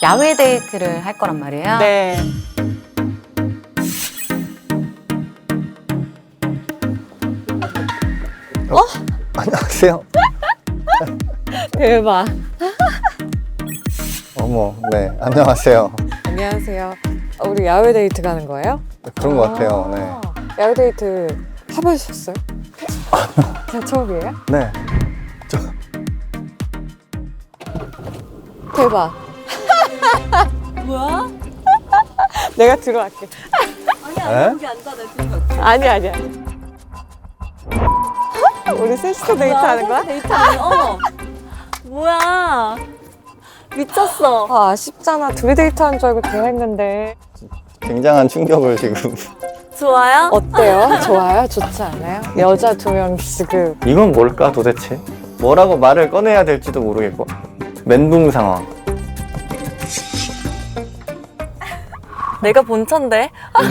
야외 데이트를 할 거란 말이에요? 네. 안녕하세요. 대박. 어머, 네, 안녕하세요. 안녕하세요. 우리 야외 데이트 가는 거예요? 그런 것 같아요. 네. 야외 데이트 해보셨어요? 그냥 처음이에요? 네. 대박. 뭐야? 내가 들어갈게. 네? 여기 앉아, 내 뒤에. 아니야. 우리 셋이서 데이트 하는 거야? 데이트하는 거? 뭐야? 미쳤어. 아, 아쉽잖아. 둘이 데이트 하는 줄 알고 대화했는데. 굉장한 충격을 지금. 좋아요? 어때요? 좋아요? 좋지 않아요? 여자 두 명 지금. 이건 뭘까 도대체? 뭐라고 말을 꺼내야 될지도 모르겠고. 멘붕 상황. 내가 본천데?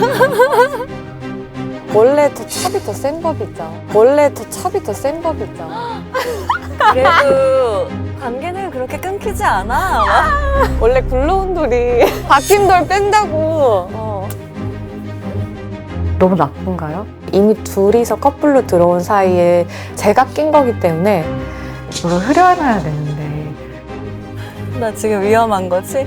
원래 더 찹이 더 센 법이죠. 원래 더 찹이 더 센 법이죠. 그래도 관계는 그렇게 끊기지 않아. 원래 굴러온 돌이 박힌 돌 뺀다고. 너무 나쁜가요? 이미 둘이서 커플로 들어온 사이에 제가 낀 거기 때문에 물을 흐려놔야 되는데. 나 지금 위험한 거지?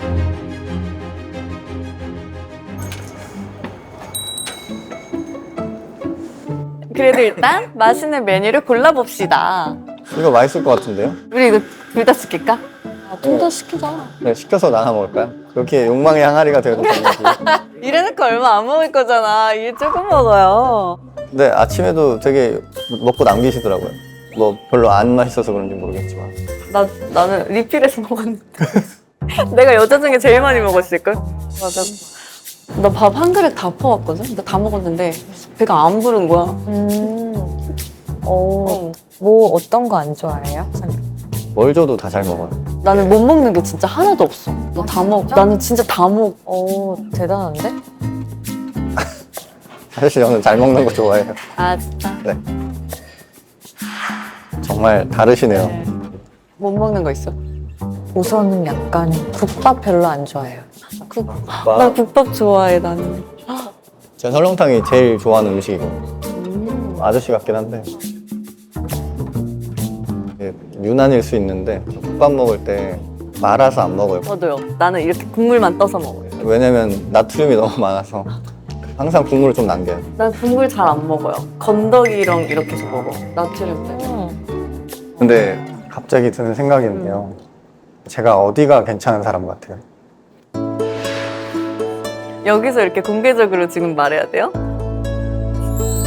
그래도 일단 맛있는 메뉴를 골라봅시다. 이거 맛있을 것 같은데요? 우리 이거 둘 다 시킬까? 둘 다 시키자. 네, 시켜서 나눠 먹을까요? 그렇게 욕망의 항아리가 되어도 되는지. 이래놓고 얼마 안 먹을 거잖아. 이게 조금 먹어요. 근데 아침에도 되게 먹고 남기시더라고요. 뭐 별로 안 맛있어서 그런지 모르겠지만. 나는 리필해서 먹었는데. 내가 여자 중에 제일 많이 먹었을걸? 맞아. 나 밥 한 그릇 다 퍼왔거든? 나 다 먹었는데 배가 안 부른 거야. 뭐 어떤 거 안 좋아해요? 뭘 줘도 다 잘 먹어요. 나는 못 먹는 게 진짜 하나도 없어. 나 다 먹어. 나는 진짜 다 먹어. 대단한데? 사실 저는 잘 먹는 거 좋아해요. 아, 진짜? 네. 정말 다르시네요. 못 먹는 거 있어? 우선은 약간 국밥 별로 안 좋아해요. 나 국밥 좋아해, 나는. 전 설렁탕이 제일 좋아하는 음식이고 아저씨 같긴 한데 이게 유난일 수 있는데 국밥 먹을 때 말아서 안 먹어요. 저도요. 나는 이렇게 국물만 떠서 먹어요. 왜냐면 나트륨이 너무 많아서 항상 국물을 좀 남겨요. 난 국물 잘 안 먹어요. 건더기랑 이렇게 해서 먹어. 나트륨 때문에. 근데 갑자기 드는 생각인데요. 제가 어디가 괜찮은 사람 같아요? 여기서 이렇게 공개적으로 지금 말해야 돼요?